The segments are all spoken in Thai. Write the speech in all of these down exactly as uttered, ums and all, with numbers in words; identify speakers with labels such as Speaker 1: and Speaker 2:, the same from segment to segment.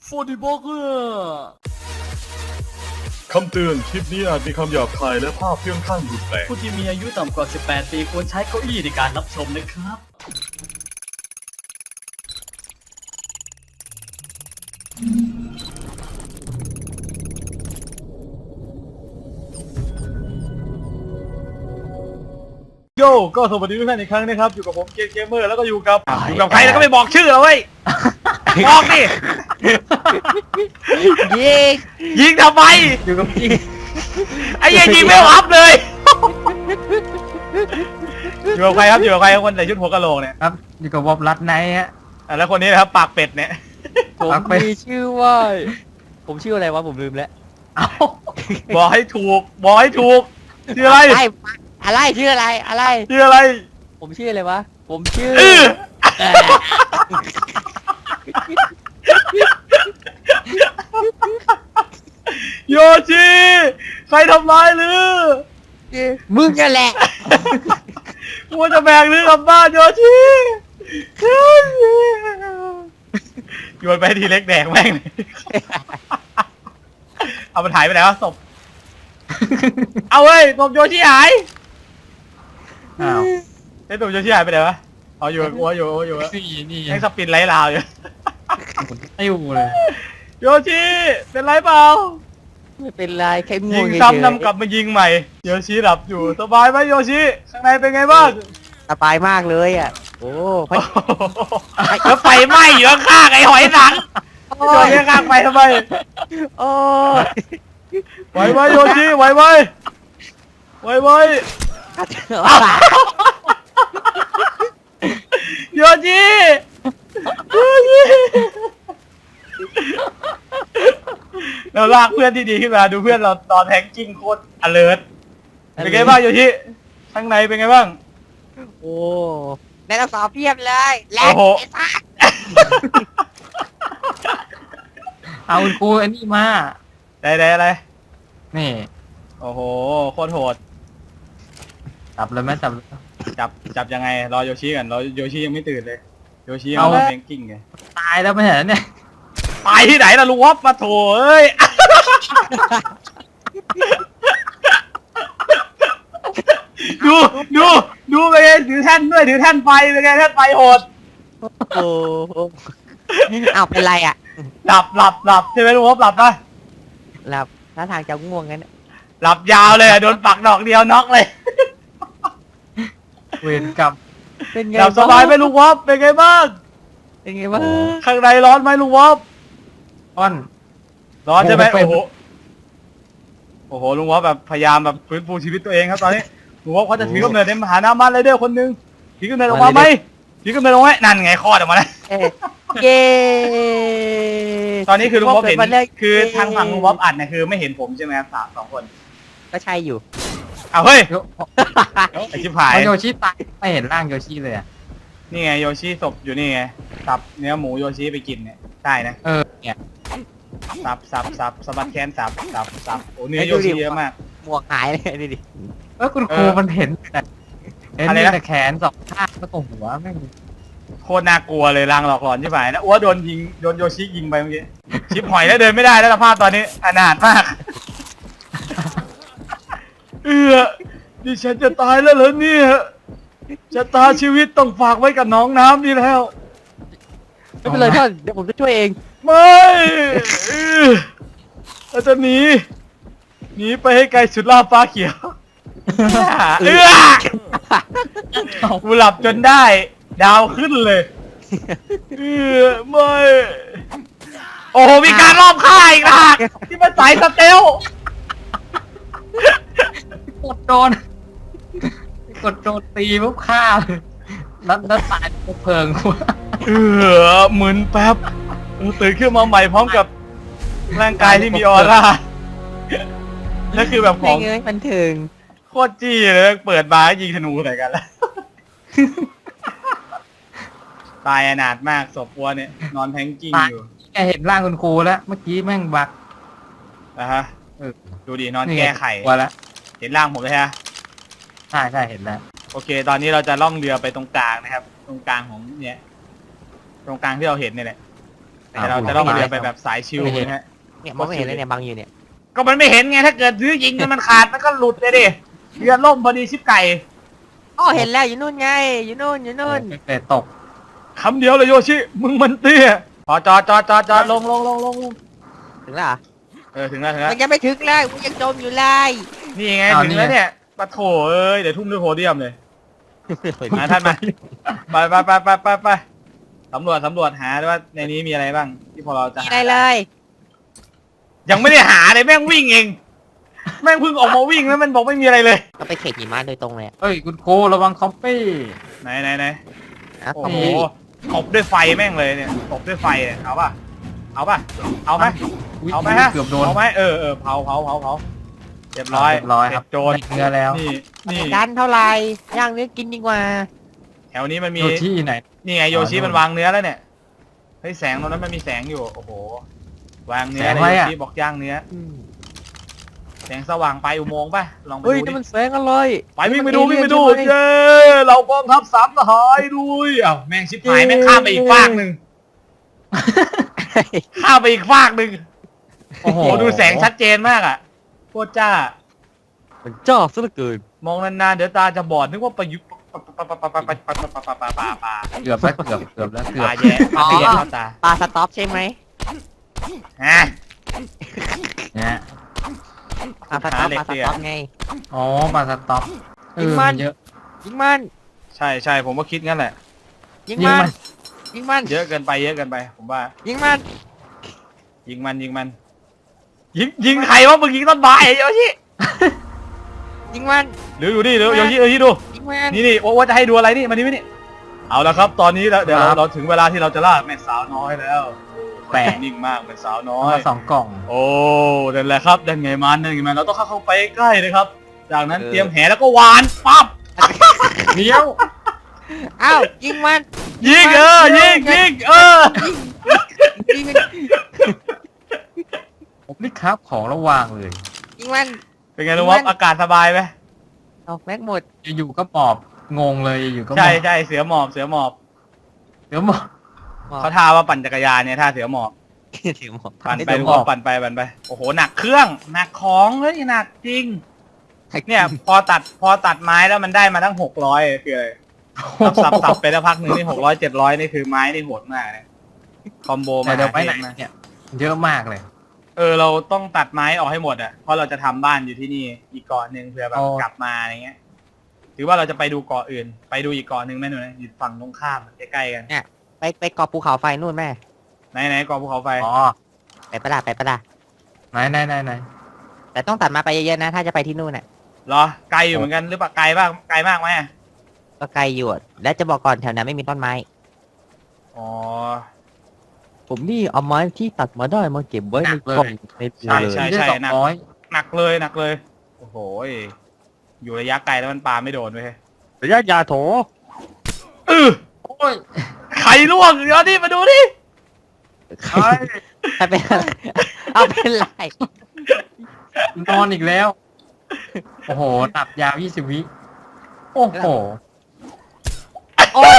Speaker 1: โฟร์ดีบล็อกเกอร์
Speaker 2: คำเตือนคลิปนี้อาจมีคำหยาบคายและภาพเพื่องข้างรุนแรง
Speaker 1: ผู้ที่มีอายุต่ำกว่าสิบแปดปีควรใช้เก้าอี้ในการรับชมนะครับ
Speaker 2: โยก็สวัสดีทุกท่านอีกครั้งนะครับอยู่กับผมเกมเกมเมอร์แล้วก็อยู่กับ
Speaker 3: อยู่กับใครแล้วก็ไม่บอกชื่อเราเว้ยบอกดิ
Speaker 4: ยิง
Speaker 3: ยิงทำไม
Speaker 4: อยู่กับพี่
Speaker 3: ไอ้เหี้ยังยิงไม่อัพเลยอยู่กับใครครับอยู่กับใครคนใส่ชุดหัวกะโหลกเนี่ย
Speaker 4: ครับอยู่กับวอบรัดไนท์ฮะ
Speaker 3: อ่ะแล้วคนนี้นะครับปากเป็ดเนี่ย
Speaker 5: ผม
Speaker 4: ปักไป
Speaker 5: มีชื่อว่า ผมชื่ออะไรวะผมลืมแล้ว
Speaker 4: เอ้า
Speaker 3: บอกให้ถูกบอกให้ถูกชื่ออะไร
Speaker 5: อะไรอะไรชื่ออะไรอะไร
Speaker 3: ชื่ออะไร
Speaker 5: ผมชื่ออะไรวะผมชื่อ
Speaker 3: เออ
Speaker 5: เอ่อ
Speaker 3: โยชิใครทำร้ายหรือ
Speaker 5: มึงนั่นแหละ
Speaker 3: กูจะแบกหรือกลับบ้านโยชิโยนไปทีเล็กแดงแม่งเลยเอามันหายไปไหนวะศพเอาเว้ยศพโยชิหาย
Speaker 4: อ้าว
Speaker 3: ไอ้ศพโยชิหายไปไหนวะเอาอยู่กับกูอยู่อยู่
Speaker 4: สี่นี่
Speaker 3: ยังสปินไล่ลาวอยู่
Speaker 4: ติ้วเลย
Speaker 3: โยชิเป็นไรเปล่า
Speaker 5: ไม่เป็นไรแค่ง่
Speaker 3: ยิ
Speaker 5: วง
Speaker 3: ง
Speaker 5: เฉย
Speaker 3: ซ้ำนำกลับมายิงใหม่โยชิหลับอยู่สบายไหมโยชิข้างในเป็นไงบ้าง
Speaker 5: สบายมากเลยอ่ะโอ้พระ
Speaker 3: แล้วไฟไหม้อยู่ข้างๆไอ้หอยหนังโยชิข้างๆไปทำไม
Speaker 5: โอ้ย
Speaker 3: ไหวไหมโยชิไหวไหมไหวไหมโยชิโยชิเราลากเพื่อนที่ดีขึ้นมาดูเพื่อนเราตอนแทงกิ้งโคตร alert เป็นไงบ้างโยชิข้างในเป็นไงบ้าง
Speaker 5: โอ้ในเราสอบเพียบเลยแลก
Speaker 3: โอ้โห
Speaker 5: ไอ้สัส
Speaker 4: เอาคุณครูอันนี้มา
Speaker 3: ได้ได้อะไร
Speaker 4: นี่
Speaker 3: โอ้โหโคตรโหด
Speaker 4: จับเลยไหมจับเลย
Speaker 3: จับจับยังไงรอโยชิกันรอโยชิยังไม่ตื่นเลยโยชิยัง
Speaker 4: เอา
Speaker 3: ไม่แทงกิ้งไง
Speaker 4: ตายแล้วไม่เห็นเนี่ย
Speaker 3: ไปที่ไหนล่ะลุงวอปมาโถเอ้ย ดูดูดูไปไงถือแท่นด้วยถือแท่นไฟไปไงแท่นไฟโหด
Speaker 5: โอ้โหอ้าวเป็นไรอ่ะ
Speaker 3: หลับหลับหลับใช่ไหมลุงวอปหลับปะ
Speaker 5: หลับท่าทางจะง่วงงั้น
Speaker 3: หลับยาวเลยอะโดนปักดอกเดียวน็อกเลย
Speaker 4: เวรกรรม
Speaker 5: เป็นไง
Speaker 3: หลับสบายไหมลุงวอปเป็นไงบ้าง
Speaker 5: เป็นไงบ้าง
Speaker 3: ข้างในร้อนไหมลุงวอป
Speaker 4: อ้อน
Speaker 3: ร้อนใช่ไหม
Speaker 4: โอ้
Speaker 3: โอ้
Speaker 4: โห
Speaker 3: โหโอ้โหลุงวอปแบบพยายามแบบฟื้นฟูชีวิตตัวเองครับตอนนี้ลุงวอปเขาจะถือกำเนิดในมหานามันไรเดอร์คนหนึ่งถือกำเนิดออกมาไหมถือกำเนิดออกมาไหมนั่นไงคลอดออกมาแล้ว
Speaker 5: เอ้ยเย้
Speaker 3: ตอนนี้คือลุงวอปเห็น
Speaker 5: ปิดมาเลย
Speaker 3: คือทางฝั่งลุงวอปอัดเนี่ยคือไม่เห็นผมใช่ไหมครับสามสองคน
Speaker 5: ก็ใช่อยู่
Speaker 3: เอาเฮ้ย
Speaker 4: โย
Speaker 3: ไอชิบหาย
Speaker 4: เอาโยชิตายไม่เห็นร่างโยชิเลยอ่ะ
Speaker 3: นี่ไงโยชิศพอยู่นี่ไงสับเนื้อหมูโยชิไปกินเนี่ยได้นะ
Speaker 4: เออเนี่ย
Speaker 3: สับสับสับสะบัดแขนสับสับสับโอ้เนื้อ
Speaker 5: ไอ้
Speaker 3: โย
Speaker 5: ดูดิ
Speaker 3: ชิเยอะมาก
Speaker 5: หมวกหายเลยนี่ดิ
Speaker 4: เออคุณครู
Speaker 3: เออ
Speaker 4: มันเห็นแต่เห็น
Speaker 3: อะไร
Speaker 4: มี
Speaker 3: นะ
Speaker 4: แต่แขนสองข้างแล้วก็หัวแม่ง
Speaker 3: โคตรน่ากลัวเลยรางหลอกหลอนใช่ไหมนะอ้วโดนยิงโดนโยชิยิงไปเมื่อกี้ชิบหอยแล้วเดินไม่ได้แล้วสภาพตอนนี้อนาถมากเออดิฉันจะตายแล้วเหรอเนี่ยชะตาชีวิตต้องฝากไว้กับน้องน้ำนี่แล้ว
Speaker 5: ไม่เป็นไรท่านเดี๋ยวผมจะช่วยเอง
Speaker 3: ไม่เออเราจะหนีหนีไปให้ไกลสุดล่าฟ้าเขียวเออกูหลับจนได้ ดาวขึ้นเลยเออไม่โอ้โหมีการรอบค่ายอีกนะที่มันสายสเตล
Speaker 4: กดโดนกดโดนตีปุ๊บฆ่าเลยแล้วแล้วตายปุ๊บเพลิงหัว
Speaker 3: เออมึนแป๊บเออตื่นขึ้นมาใหม่พร้อมกับร่างกายที่มีออร่านั่นคือแบบข
Speaker 5: ไม่
Speaker 3: อง
Speaker 5: เงยมันถึง
Speaker 3: โคตรจี้เลยเปิดมายิงธนูใส่กันแล้ว ตายอนาถมากศพวัวเนี่ยนอนแทงกิ้งอยู่
Speaker 4: แกเห็นร่างคุณครูแล้วเมื่อกี้แม่งบัก
Speaker 3: นะฮะ
Speaker 4: เออ
Speaker 3: ดูดินอน
Speaker 4: นี่
Speaker 3: แก้ไข
Speaker 4: หัวแล้ว
Speaker 3: เห็นร่างผมเลยฮะ
Speaker 4: ใช่ใช่เห็นแล้ว
Speaker 3: โอเค ตอนนี้เราจะล่องเรือไปตรงกลางนะครับ ตรงกลางของเนี่ย ตรงกลางที่เราเห็นเนี่ยแหละ
Speaker 5: เ
Speaker 3: แต่เราจะต้องเดินไปแบบสายชิลนะฮะ
Speaker 5: เนี่ยมองไม่เห็นเลยเนี่ยบังอยู่เนี่ย
Speaker 3: ก็มันไม่เห็นไงถ้าเกิดซื้อยิงมันขาดมันก็หลุดเลยดิเรือล่มพอดีชิบไก่
Speaker 5: อ๋อเห็นแล้วอยู่นู่นไงอยู่นู่นอยู่นู่น
Speaker 4: แต่ตก
Speaker 3: คำเดียวเลยโยชิมึงมันเตี้ยพอจอดจอดจอดจอดลงลงลงลงลง
Speaker 5: ถึงแล้วเหรอ
Speaker 3: เออถึงแล้วถึงแล้ว
Speaker 5: มันยังไม่ถึงเลยกูยังจมอยู่เลย
Speaker 3: นี่ไงถึงแล้วเนี่ยปะโถเอ้ยเดี๋ยวทุ่มด้วยโพเดียมเลยมาท่านมาไปไปไปไปไปไปสำรวจสำรวจหาด้วยว่าในนี้มีอะไรบ้างที่พอเราจะ
Speaker 5: มี
Speaker 3: หา
Speaker 5: อะไรเลย
Speaker 3: ยังไม่ได้หาเลยแม่งวิ่งเองแม่งเพิ่งออกมาวิ่งแล้วมันบอกไม่มีอะไรเลย
Speaker 5: ก็ไปเขตหิมะโดยตรงเลย
Speaker 4: เฮ้ยคุณโคระวังคอปปี้
Speaker 3: ไหนไหนไหน
Speaker 5: อ่ะ
Speaker 3: โอ้
Speaker 5: ตรง
Speaker 3: โห
Speaker 5: นี้
Speaker 3: ตบด้วยไฟแม่งเลยเนี่ยตบด้วยไฟเนี่ยเอาป่ะเอาป่ะเอาไหม
Speaker 4: ย
Speaker 3: เอาไหมฮะ
Speaker 4: เกือบโดน
Speaker 3: เอาไหมเออเออเผาเผาเผาเผาเรียบร้อย
Speaker 4: เรียบร้อยครับ
Speaker 3: เสจโจร
Speaker 4: ได้เนื้อแล้ว
Speaker 3: นี่นี่
Speaker 5: ดันเท่าไหร่ย่างเนื้อกินดีกว่า
Speaker 3: แถวนี้มันมี
Speaker 4: อยู่ที่ไหน
Speaker 3: นี่ไงโยชิ
Speaker 4: อ๋อ
Speaker 3: มันวางเนื้อแล้วเนี่ยเฮ้ยแสงตรงนั้นมันมีแสงอยู่โอ้โหวางเนื้อ
Speaker 4: แสง
Speaker 3: เลย
Speaker 4: อะไร
Speaker 3: โย
Speaker 4: อะ
Speaker 3: ชิบอกย่างเนื้อ
Speaker 5: อืม
Speaker 3: แสงสว่างไปอุโมงค์ป่ะลองไป
Speaker 5: เฮ้ย
Speaker 3: ดู
Speaker 5: นี่
Speaker 3: ดิ
Speaker 5: มันแสงอะไร
Speaker 3: ไปวิ่งไปดูวิ่งไปดู
Speaker 5: มันเอเลี่ยนใช่ไหม
Speaker 3: เย้เรากองทัพสามทหารด้วยอ้าวแม่งชิบหายแม่งข้ามไปอีกฟากหนึ่งข้ามไปอีกฟากหนึ่ง
Speaker 4: โอ้โห
Speaker 3: โอ้ดูแสงชัดเจนมากอ่ะโคตรจ้า
Speaker 5: มันจ้าซะเหลือเกิน
Speaker 3: มองนานๆเดี๋ยวตาจะบอดนึกว่าประยุกต์ปะปะปะปะปะปะปะปะปะปะปะปะปะ
Speaker 4: เกือบแล้วเกือบเกือบแล้วเกือบ
Speaker 3: ตาแย่ตาแย่เข้าตา
Speaker 5: ปลาสต็อปใช่ไหม
Speaker 3: ฮะ
Speaker 4: เนี่ย
Speaker 5: ปลาสต็อป
Speaker 3: หาเหล็ก
Speaker 5: ปลาส
Speaker 3: เสีย
Speaker 5: ต็อปไง
Speaker 4: อ๋อมาสต็อปเอ
Speaker 5: ยิง
Speaker 4: อ
Speaker 5: มั
Speaker 4: มัน นเยอะ
Speaker 5: ยิงมัน
Speaker 3: ใช่ใช่ผมก็คิดงั้นแหละ
Speaker 5: ยิง
Speaker 4: ยิง
Speaker 5: มั
Speaker 4: มัน น
Speaker 5: ยิงมัน
Speaker 3: เยอะเกินไปเยอะเกินไป ผมว่า
Speaker 5: ยิงมัน
Speaker 3: ยิงมันยิงมัน ยิงยิงใครวะมึงยิงต้นไม้ไอ้โยชิ
Speaker 5: ยิงมัน
Speaker 3: หรือดูดิหรือโยชิโยชิดู
Speaker 5: ยิงมัน
Speaker 3: นี่นี่ว่าจะให้ดูอะไรนี่มานี่มานี่เอาละครับ ตอนนี้แล้วเดี๋ยวเราเราถึงเวลาที่เราจะล่าแม่สาวน้อยแล้ว
Speaker 4: แปลก
Speaker 3: นิ่งมากแม่สาวน้อ
Speaker 4: เอา
Speaker 3: ย
Speaker 4: มาสองกล่อง
Speaker 3: โอ้นั่นแหละครับนั่นไงมันนั่นไงมันเราต้องเข้าเข้าไปใกล้เลยครับ จากนั้นเตรียมแหแล้วก็หวานปั๊บ
Speaker 4: เนี้ยว
Speaker 5: เอ้ายิงมัน
Speaker 3: ยิงเออยิงยิงเออ
Speaker 5: ยิงมัน
Speaker 4: ผมนี่ครับของระวางเลย
Speaker 5: ยิงมัน
Speaker 3: เป็นไงลุงวอฟอากาศสบายไหม
Speaker 5: เอาแม็กหมด
Speaker 4: อยู่ๆก็หมอบงงเลยอยู่ๆก็หม
Speaker 3: ใช่
Speaker 4: อบ
Speaker 3: ใช่เสือหมอบเสือหมอบ
Speaker 4: เดี๋ยวหมอบ
Speaker 3: เขาท่าว่าปั่นจักรยานเนี่ยท่าเสือหมอบ
Speaker 5: ถือหมด
Speaker 3: ปั่นไป
Speaker 4: เสือ
Speaker 3: ลุง
Speaker 4: หม
Speaker 3: ว
Speaker 4: อ
Speaker 3: อบ ฟปั่นไปปั่นไปโอ้โหหนักเครื่องหนักของเฮ้ยหนักจริง เนี่ยพอตัดพอตัดไม้แล้วมันได้มาตั้งหกร้อยคืออะไรสับสับสับไปแล้วพักหนึ่งนี่หกร้อยเจ็ดร้อยนี่คือไม้นี่โหดมากเลยคอมโบ
Speaker 4: แต่
Speaker 3: มา
Speaker 4: เดี๋ยวไปไหน
Speaker 3: เทพมาก
Speaker 4: เนี่ยเยอะมากเลย
Speaker 3: เออเราต้องตัดไม้ออกให้หมดอ่ะเพราะเราจะทำบ้านอยู่ที่นี่อีกเกาะหนึ่งเผื่อแบบ
Speaker 4: อ๋อ
Speaker 3: กลับมาอะไรเงี้ยหรือว่าเราจะไปดูเกาะอื่น ไปดูอีกเกาะหนึ่งไหมหนูนะอยู่ฝั่งตรงข้ามใกล้ๆกัน
Speaker 5: ไปไปเกาะภูเขาไฟนู่นแม่
Speaker 3: ไหนไหนเกาะภูเขาไฟ
Speaker 4: อ๋อ
Speaker 5: ไปปะล่ะไปปะล่ะ
Speaker 4: ไหนไหนไหนไหน
Speaker 5: แต่ต้องตัดมาไปเยอะๆนะถ้าจะไปที่นู่นน่ะ
Speaker 3: เหรอไกลอยู่เหมือนกันหรือเปล่าไกลบ้างไกลมากไหมอะ
Speaker 5: ก็ไกลอยู่อะและจะบอกก่อนแถวนั้นไม่มีต้นไม้
Speaker 3: อ๋อ
Speaker 5: ผมนี่เอาไม้ที่ตัดมาได้มาเก็บไว้ในกล่องในเปลื
Speaker 3: ใช่
Speaker 5: เลย
Speaker 3: ใช่
Speaker 4: ได้สองร้อย
Speaker 3: หนักเลยหนักเลยโอ้โหอยู่ระยะไกลแล้วมันปาไม่โดนเว้ย
Speaker 5: ระยะยาโถ
Speaker 3: เออ
Speaker 4: โอ้ย
Speaker 3: ไข่ล่วงเดี๋ยวนี่มาดูดิ
Speaker 5: ใครใครเป็นอะไรเอาเป็นไร
Speaker 4: นอนอีกแล้ว โอ้โหตับยาวยี่สิบวิ โอ้โห
Speaker 5: โอ้ย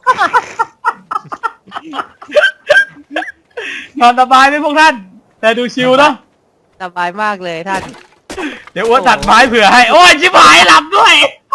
Speaker 3: นอนสบายไหมพวกท่าน แต่ดูชิวเนาะ
Speaker 5: สบายมากเลยท่าน
Speaker 3: เดี๋ยวอ้วนตัดไม้เผื่อให้ โอ้ยชิบหายหลับด้วย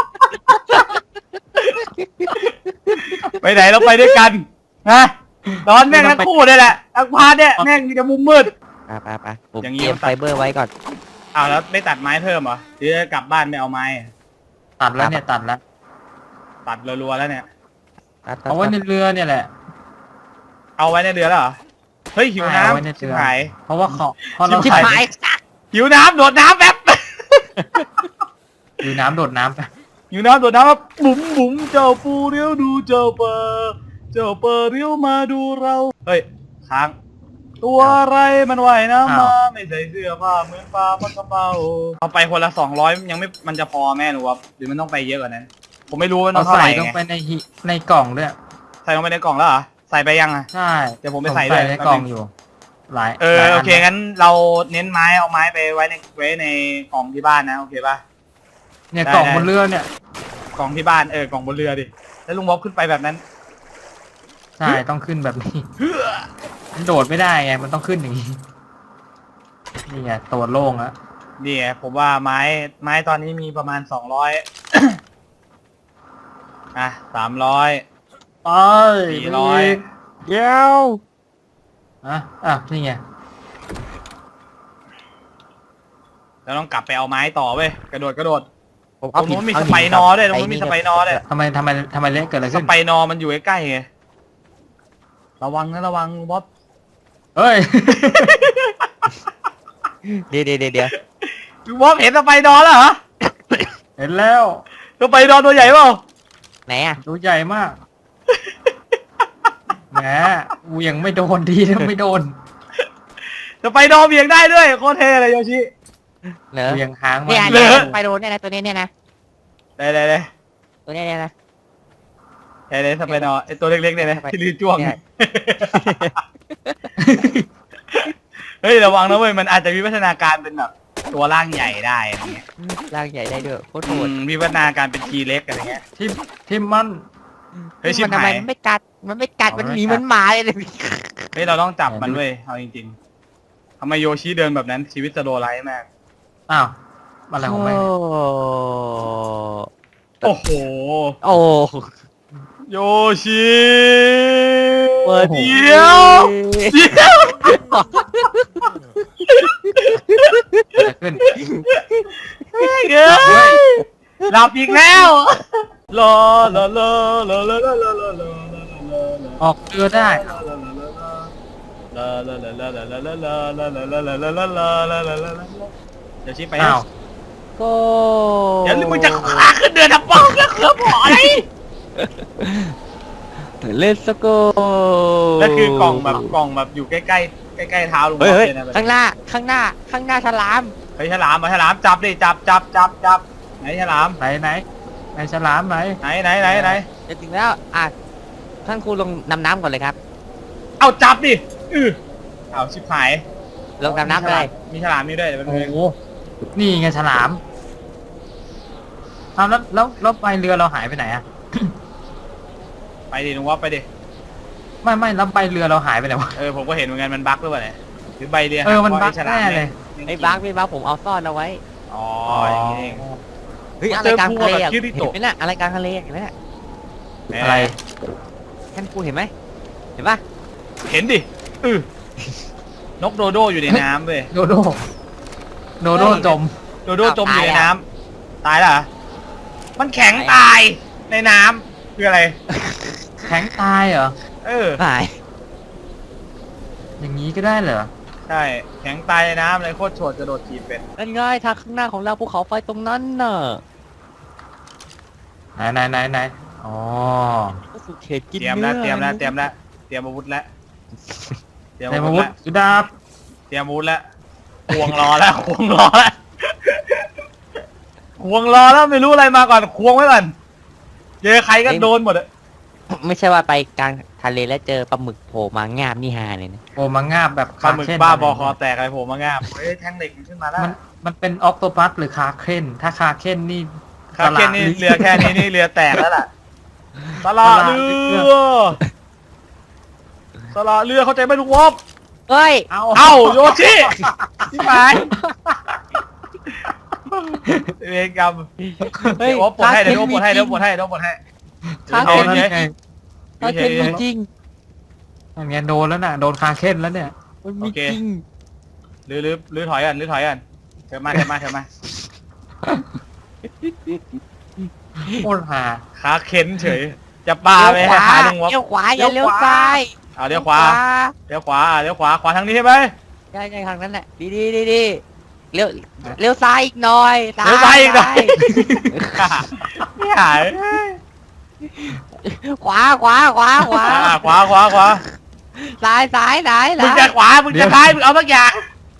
Speaker 3: ไปไหนเราไปด้วยกันนะนอนแม่งทั้งคู่เลยแหละทั้งพาร์ทเนี่ยแม่งมีแต่มุมมืด
Speaker 5: ไปไปไปผม
Speaker 3: อย่างงี้
Speaker 5: เตรียมไฟเบอร์ไว้ก่อน
Speaker 3: อ้าวแล้วไม่ตัดไม้เพิ่มเหรอหรือจะกลับบ้านไม่เอาไม้
Speaker 4: ตัดแล้วเนี่ยตัดแล้ว
Speaker 3: ตัดรัวๆแล้วเนี่ย
Speaker 4: เอาไว้ในเรือเนี่ยแหละ
Speaker 3: เอาไว้ในเรือแล้วเหรอ เฮ้ยหิว
Speaker 4: เอาไว้ใน
Speaker 3: น้ำ
Speaker 4: เรือ
Speaker 3: ชิบหาย
Speaker 4: เพราะว่าเขาเพราะเรา
Speaker 5: ชิบ
Speaker 4: ใส่
Speaker 5: หาย
Speaker 3: หิวน้ำโดดน้ำแป๊บ
Speaker 4: อยู่น้ำโดดน้ำไป
Speaker 3: หิวน้ำโดดน้ำแป๊บบุ๋มบุ๋มเจ้าปูเรียวดูเจ้าเปอร์เจ้าเปอร์เรียวมาดูเรา เฮ้ยค้างตัวอะไรมันว่ายน้ำมาไม่ใส่เสื้อผ้าเหมือนปลาปลากระเป๋าเอาไปคนละสองร้อยยังไม่มันจะพอแม่หนูวะหรือมันต้องไปเยอะกว่านั้น ผมไม่รู้ว่าต้
Speaker 4: เรา
Speaker 3: องเท่าไห
Speaker 4: ใส่
Speaker 3: ร่
Speaker 4: ลง
Speaker 3: ไง
Speaker 4: ไปในหิในกล่องด้วย
Speaker 3: ใส่ลงไปในกล่องแล้วเหรอใส่ไปยังอ่ะ
Speaker 4: ใช่
Speaker 3: เดี๋ยวผมไปใส่ด้วย
Speaker 4: ในกล่องอยู่ หลาย
Speaker 3: เออ
Speaker 4: หลายน
Speaker 3: โอเคงั้นเราเน้นไม้เอาไม้ไปไว้ในไว้ในกล่องที่บ้านนะโอเคป่ะ
Speaker 4: เนี่ย
Speaker 3: ได้
Speaker 4: กล่อง
Speaker 3: ได้
Speaker 4: บนเรือเนี่ย
Speaker 3: กล่องที่บ้านเออกล่องบนเรือดิแล้วลุงบ๊อบขึ้นไปแบบนั้น
Speaker 4: ใช่ต้องขึ้นแบบนี้
Speaker 3: เฮ้อ
Speaker 4: มันโดดไม่ได้ไงมันต้องขึ้นอย่างนี้นี่ไงตัวโล่งแล้ว
Speaker 3: นี่ไงผมว่าไม้ไม้ตอนนี้มีประมาณสองร้อย อ่ะสามร้อย
Speaker 4: ไป
Speaker 3: สี่ร้อย
Speaker 5: เดี๋ยว
Speaker 4: อ่ะอ่ะนี่ไง
Speaker 3: แล้วต้องกลับไปเอาไม้ต่อเว้ยกระโดดกระโดด
Speaker 5: ผม
Speaker 3: ตรงนู้นมีสไปนอร์ด้วยตรงนู้นมีสไปนอร์ด้วย
Speaker 4: ทำไมทำไมทำไมเละเกิดอะไร
Speaker 3: ส
Speaker 4: ขึ้น
Speaker 3: ไปนอร์มันอยู่ใกล้ๆไงระวังนะระวังบ๊อบ
Speaker 4: เฮ้ย
Speaker 5: เดี๋ยวเดี๋ยวเดี๋ยวเดี๋ยว
Speaker 3: บ๊อบเห็นสไปนอร์แล้วเหรอ
Speaker 4: เห็นแล้ว
Speaker 3: สไปนอร์ตัวใหญ่เปล่า
Speaker 5: ไหนอ่ะ
Speaker 4: ตัวใหญ่มากแหมกูยังไม่โดนดีนะไม่โดน
Speaker 3: สไปนอร์เบี่ยงได้ด้วยโคตรเท่เลยโยชิ
Speaker 5: เหรอ
Speaker 4: กูยังค้างมา
Speaker 5: เนี่ย
Speaker 3: เหร
Speaker 5: เนี่ย
Speaker 3: อ
Speaker 5: ไปโดนเนี่ยนะตัวนี้เนี่ยนะ
Speaker 3: ได้ได้ได้
Speaker 5: ตัวนี้เนี่ยนะ
Speaker 3: เฮ้ยสไปนอร์ไอตัวเล็กๆเนี่ยนะที่ลือจ้วง
Speaker 5: เนี่ย
Speaker 3: เฮ้ยระวังนะเว้ยมันอาจจะมีพัฒนาการเป็นแบบตัวร่างใหญ่ได้อะไรเงี้ย
Speaker 5: ร่างใหญ่ได้ด้วยโคตรโห
Speaker 3: อื
Speaker 5: ด
Speaker 3: มมีพัฒนาการเป็นทีเล็กอะไรเงี้ย
Speaker 4: ทิมทิมมัน
Speaker 3: เฮ้ยชิบ
Speaker 5: มันทำไม
Speaker 3: หาย
Speaker 5: มันไม่กัดมันไม่กัด
Speaker 4: อ๋อ
Speaker 5: มัน
Speaker 4: ไม่
Speaker 5: หนี
Speaker 4: กัด
Speaker 5: เหมันหมาเลย
Speaker 3: เฮ้ยเราต้องจับมันเว้ยเอาจริงๆทำไมโยชิเดินแบบนั้นชีวิตสโลไลท์มาก
Speaker 4: อ้าวอะไรของแม่ง
Speaker 3: โอ้โห
Speaker 5: โอ้
Speaker 3: โยชิ
Speaker 5: เปิด
Speaker 3: เดี๋ยวเดี๋ยว
Speaker 4: เกิดขึ้น
Speaker 3: เฮ้ยหลับอีกแล้วรอรอรอรอรอรอรอรอรอ
Speaker 4: ออกเรือได้
Speaker 3: เดี๋ยวชี้ไป
Speaker 4: อ้าว
Speaker 5: ก็
Speaker 3: เดี๋ยวมึงจะขาขึ้นเดือนทับป้องแล้วเคลือบหออะไร
Speaker 5: เล่นสโก
Speaker 3: แล้วคือกล่องแบบกล่องแบบอยู่ใกล้ใกล้ใกล้ใกล้เท้าลุง
Speaker 5: เฮ้ย
Speaker 3: บอ
Speaker 5: เฮ้ย
Speaker 3: ลเลยนะ
Speaker 5: ข้างหน้าข้างหน้าข้างหน้าฉลาม
Speaker 3: เฮ้ยฉลามมาฉลามจับดิจับจับจับจับไหนฉลาม
Speaker 4: ไหนไหนไหนฉลามไหน
Speaker 3: ไหนไหนไหนไหน
Speaker 5: จะถึงแล้วอ่ะท่านครูลงนำน้ำก่อนเลยครับ
Speaker 3: เอาจับดิอือเอาชิบหาย
Speaker 5: ลงนำน้ำเลย
Speaker 3: มีฉลามนี่ด้วยเดี๋ยวมัน
Speaker 4: โอ้โหนี่ไงฉลามเอาแล้วแล้วแล้วใบเรือเราหายไปไหนอะ
Speaker 3: ไปดิลุงว่าไปดิ
Speaker 4: ไม่ไม่แล้วใบเรือเราหายไปไหนวะ
Speaker 3: เออผมก็เห็นเหมือนกันมันบั๊กหรือเปล่าเนี่ยหรือใบเรีย
Speaker 4: เออมัน
Speaker 3: หั
Speaker 4: บั๊ก
Speaker 3: พราะไอ้ฉลาม
Speaker 4: แน่เลย
Speaker 3: นี่ย
Speaker 5: ไอ้บักไม่บักผมเอาซ่อนเอาไว้
Speaker 3: อ๋ออย่างนี้เอง
Speaker 5: เฮ้ย
Speaker 3: มา
Speaker 5: อะไร
Speaker 3: เจอก
Speaker 5: ลางทะเล
Speaker 3: พวกแบบ
Speaker 5: อ่ะ
Speaker 3: คิ
Speaker 5: เห็
Speaker 3: ริ
Speaker 5: น
Speaker 3: โตะ
Speaker 5: ไหมน่ะอะไรกลางทะเลเห็นไหมน่ะ
Speaker 4: อะไร
Speaker 5: ท่านครูเห็นไหมเห็นปะ
Speaker 3: เห็นดิอือนกโดโดอยู่ในน้ำเว้ย
Speaker 4: โดโดโดโดจม
Speaker 3: โดโดจมอยู่ในน้ำตายแล้วเหรอมันแข็งตายในน้ำคืออะไร
Speaker 4: แข็งตายเหรอ
Speaker 3: เออ
Speaker 5: หาย
Speaker 4: อย่างนี้ก็ได้เหรอ
Speaker 3: ใช่แข็งตายในน้ำเลยโคตรโฉดจะโดดทีบเป็น
Speaker 5: นั่นง่ายทางข้างหน้าของเราภูเขาไฟตรงนั้นน่ะ
Speaker 4: ไหนไหนไหนไหนอ๋อ
Speaker 5: ก็สุดเขตกิน
Speaker 3: เตรียม
Speaker 5: เนื้
Speaker 3: แล้ว
Speaker 5: อ
Speaker 3: เตรียมแล้วเตรียมแล้วเตรียมอาวุธแล้วเตรียม
Speaker 4: ใน
Speaker 3: อา
Speaker 4: มา
Speaker 3: วุธ
Speaker 4: วุธ
Speaker 3: แล้ว
Speaker 4: สุดาบ
Speaker 3: เตรียมอาวุธแล้วควงรอแล้วควงรอแล้วควงรอแล้วไม่รู้อะไรมาก่อนควงไว้ก่อนเจอใครก็โดนหมดอะ
Speaker 5: ไม่ใช่ว่าไปกลางทะเลแล้วเจอปลาหมึกโผล่มางามนี่ฮาเลยนะ
Speaker 4: โอ้มางาบแบบ
Speaker 3: ปลาหมึก
Speaker 4: คเคน
Speaker 3: บ้าบอคอแตกอะไรโผมมางามเฮ้ยแทงเหล็กมันขึ้นมาแล้ว
Speaker 4: มันมันเป็นออกโตปัสหรือคาเคนถ้าคาเคนนี่
Speaker 3: คาเคนนี่เรือแค่นี้นี่เรือแตกแล้วล่ะสละเรือสละเรือเข้าใจไหมลุงวอบ
Speaker 5: เฮ้ย
Speaker 4: เอา
Speaker 3: เอ้าโยชิที่หมายเวรกรรม
Speaker 5: เฮ้ย
Speaker 3: เดี๋ยววอบปลดให้เดี๋ยววอบปลดให้เดี๋ยววอบปลดให้เดี๋ยววอบปลดให้
Speaker 5: คา
Speaker 4: เอา
Speaker 5: เคน
Speaker 4: นั่น
Speaker 3: เดี๋ยว
Speaker 4: ไง
Speaker 5: คาเคนมีจริง
Speaker 4: นั่นไงโดนแล้วน่ะโดนคาเคนแล้วเนี่ย
Speaker 5: มันมีจริง
Speaker 3: หรือหรือหรือถอยกันหรือถอยกันเถิดมาเถิดมาเถิดมา
Speaker 4: โคตรหา
Speaker 3: ขาเข็นเฉย จะปาไป
Speaker 5: เลี้ยวขวา
Speaker 3: หาลุงวอบ
Speaker 5: เลี้ยวขวาอย่าเลี้ยวซ้าย
Speaker 3: เอาเลี้ยวขวาเลี้ยวขวาเลี้ยวขวาขวาทางนี้ใช่ไหม
Speaker 5: ใช่ใช่ทางนั้นแหละดีดีดีดีเลี้ยวเลี้ยวซ้ายอีกหน่อย
Speaker 3: เลี้ยวซ้ายอีกหน่อยไม่หาย
Speaker 5: ขวาขวาขวาขวา
Speaker 3: อ่าขวาขวาขวา
Speaker 5: ซ้ายซ้ายไหนไหน
Speaker 3: มึงจะขวามึงจะซ้ายมึงเอาสักอย่าง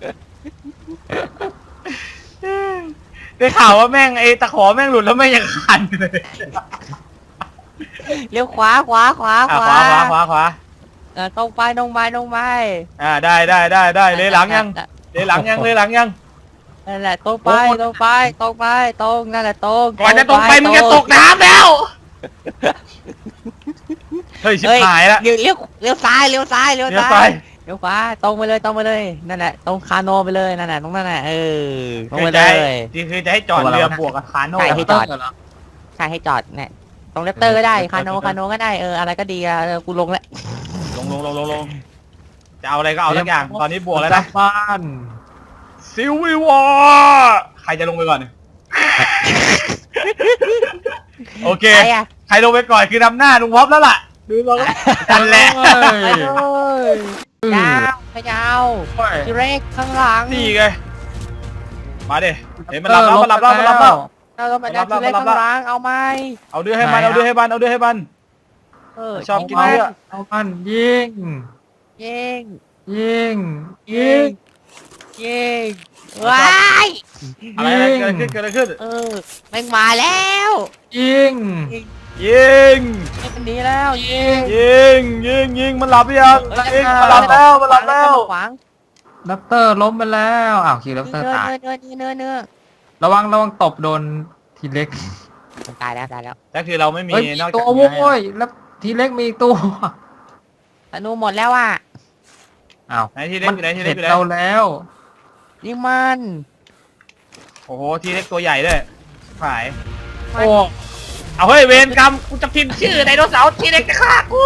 Speaker 3: ได้ข่าวว่าแม่งไอ้ตะขอแม่งหลุดแล้วแม่งยังคันเลย
Speaker 5: เลี้ยวขวาขวาขวา
Speaker 3: อ่ะขวาขวาขวาขวา
Speaker 5: เออตรงไปตรงไปตรงไป
Speaker 3: อ่าได้ได้ได้ได้เลยหลังยังเลยหลังยังเลยหลังยัง
Speaker 5: นั่นแหละตรงไป
Speaker 3: โอ้โห
Speaker 5: ตรงไปตรงไปตรงนั่นแหละตรง
Speaker 3: ก่อนจะตรงไปมึงจะตกน้ำแล้วเฮ้ยชิบ
Speaker 5: เฮ้ย
Speaker 3: หายละ
Speaker 5: เลี้ยวเลี้ยวเลี้ยวซ้ายเลี้ยวซ้ายเลี้ยว
Speaker 3: เลี้ยว
Speaker 5: ซ้า
Speaker 3: ซ้าย ย
Speaker 5: เดี๋ยวขวาตรงไปเลยตรงไปเลยนั่นแหละตรงคาโนไปเลยนั่นแหละตรงนั้นแหละเออตรง
Speaker 3: คื
Speaker 5: ไป
Speaker 3: อ
Speaker 5: เล
Speaker 3: จะให้
Speaker 5: ย
Speaker 3: ที่คือจะให้จอดเรือบวกกับคาโน่
Speaker 5: ใช่ให้จอด
Speaker 4: เเหรอ
Speaker 5: ใช่ให้จอดเนี่ยตรงเลปเตอร์ก็ได้คาโนคาโนก็ได้เอออะไรก็ดีอะเออกูลงแล้ว
Speaker 3: ลงลงลงลงลงจะเอาอะไรก็เอาทุกอย่างตอนนี้บวกแล้วนะ
Speaker 4: บ้าน
Speaker 3: ซิลวิวอร์ใครจะลงไปก่อน โอเค
Speaker 5: ใครอะ
Speaker 3: ใครลงไปก่อนคือนำหน้าลุงวอฟแล้วล่ะดูเรากันแหละ
Speaker 5: ไปเลยยาวไปยาวทีเร็กข้างหลัง
Speaker 3: นี่ไงมาดิเห็นมันรับแล้วมันรับแล้วมันรับแล้ว
Speaker 5: เราก็มาดันทีเร็กข้างหลังเอาไหม
Speaker 3: เอาเดือให้มันเอาเดือให้มันเอาเดือให้มัน
Speaker 5: เออ
Speaker 3: ชอบกิน
Speaker 5: เา
Speaker 3: เนื้
Speaker 5: ไหม
Speaker 3: อ
Speaker 4: เอามันยิง
Speaker 5: ยิง
Speaker 4: ยิง
Speaker 5: ยิ
Speaker 4: ยิ
Speaker 5: ง
Speaker 4: ง
Speaker 5: ยิงว้าย
Speaker 3: อะไรอะไรเกิดอะไรขึ้นเกิดอะไรขึ้น
Speaker 5: เออแม่งมาแล้ว
Speaker 4: ยิง
Speaker 3: ยิง
Speaker 5: ไม่เป็นหนี้แล้วยิง
Speaker 3: ยิงยิงยิงมันหลับหรือยังยิงมันหลับแล้วมันหลับแล้ว
Speaker 5: ขวาง
Speaker 4: ดับเตอร์ล้มไปแล้วอ้าวคิวดับเตอร์
Speaker 5: เนื้อ
Speaker 4: ตาย
Speaker 5: เนื้อเนื้อเนื้อเนื้อ
Speaker 4: ระวังระวังตบโดนทีเล็ก
Speaker 5: มันตายแล้วตายแล้ว
Speaker 3: แต่คือเราไม่มี
Speaker 4: เฮ้ยมี
Speaker 3: นอก
Speaker 4: ตั
Speaker 3: จาก
Speaker 4: วโว้ยแล้วทีเล็กมีอีกตัว
Speaker 5: ธนูหมดแล้วอ่ะ
Speaker 4: อ้าว
Speaker 3: ไหนทีเล็ก
Speaker 4: มัน
Speaker 3: อยู่ไหนทีเล็
Speaker 4: เห็
Speaker 3: ก
Speaker 4: น
Speaker 3: อยู่ไหน
Speaker 4: เราแล้ว
Speaker 5: นี่มัน
Speaker 3: โอ้โหทีเล็กตัวใหญ่ด้วยหาย
Speaker 4: โอ้
Speaker 3: เอาเฮ้ยเวรกรรมกูจะพิมพ์ชื่อไดโนเสาร์ทีเล็กจะฆ่ากู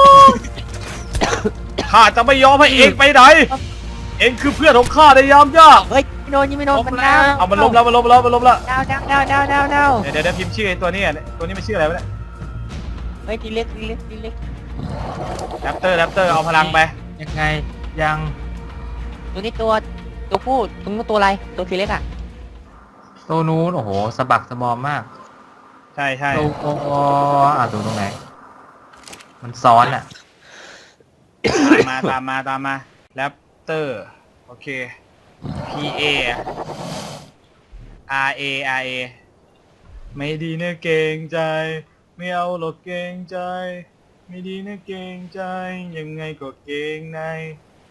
Speaker 3: ข้าจะไม่ยอมให้เองไปไหนเองคือเพื่อนของข้าในยามยาก
Speaker 5: เฮ้ยไม่โดนยิงไม่โดนมันดาว
Speaker 3: เอามันล้มแล้วมันล้มแล้วมันล้มแล้ว
Speaker 5: ดาวดาวดาวดาวดาวดาว
Speaker 3: เดี๋ยวเดี๋ยวเดี๋ยวพิมพ์ชื่อไอ้ตัวนี้อ่ะตัวนี้มันชื่ออะไรวะเนี่ย
Speaker 5: เฮ้ยทีเล็กทีเล็กทีเล็ก
Speaker 3: แรปเตอร์แรปเตอร์เอาพลังไป
Speaker 4: ยังไงยัง
Speaker 5: ตัวนี้ตัวตัวผู้ตัวนู้นตัวอะไรตัวทีเล็กอ่ะ
Speaker 4: ตัวนู้นโอ้โหสะบักสะบอมมาก
Speaker 3: ใช่ใช่
Speaker 4: ตัวโอ้อ่ะตัวตรงไหน มันซ้อนอ่ะ
Speaker 3: ตามมาตามมาตามมาแรปเตอร์โอเค P A R A R A ไม่ดีนะเกรงใจ ไม่เอาหรอกเกรงใจ ไม่ดีนะเกรงใจ ยังไงก็เกรงใน